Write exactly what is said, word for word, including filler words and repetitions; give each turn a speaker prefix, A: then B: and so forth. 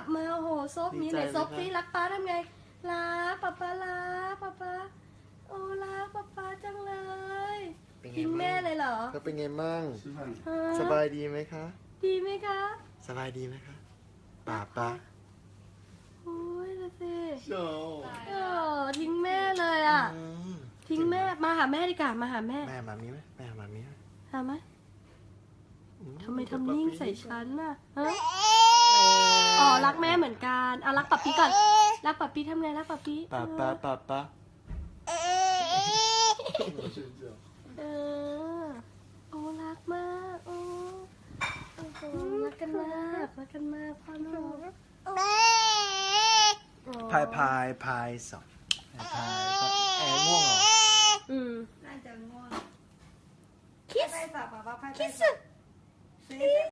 A: บมาโอ้โหซบนี้ไหนซบสิรักป้าทำไงรักป้าป้ารักป้าป้าโอ้รักป้าป้าจังเลยทิ้งแม่เลยเหรอ
B: เธอเป็นไงมั่ง
A: ฮะ
B: สบายดีไหมคะ
A: ดีไหมคะ
B: สบายดีไหมคะป่าป่า
A: โอ้ยดูสิ
B: โ
A: เออทิ้งแม่เลยอ่ะ ทิ้งแม่มาหาแม่ดีกว่ามาหาแม่
B: แม่มามีไหมแม่มามีไหม
A: หาไหมทำไมทำนิ่งใส่ฉันน่ะฮะอ๋อรักแม่เหมือนกันเอารักปับปี้ก่อนรักปับปี้ทำไงรักปับปี้
B: ป่าป่าป่าป่า
A: เออโอ้รักมากโอ้โอ้โหรักกันมากรักกันมากพ่อลูก
B: พายพายพายสองพายพายก็แอร์ง่วงเหรอ
A: อืม
C: น่าจะง่วง
A: คิส
C: ไปฝากป้าป้าไป
A: คิส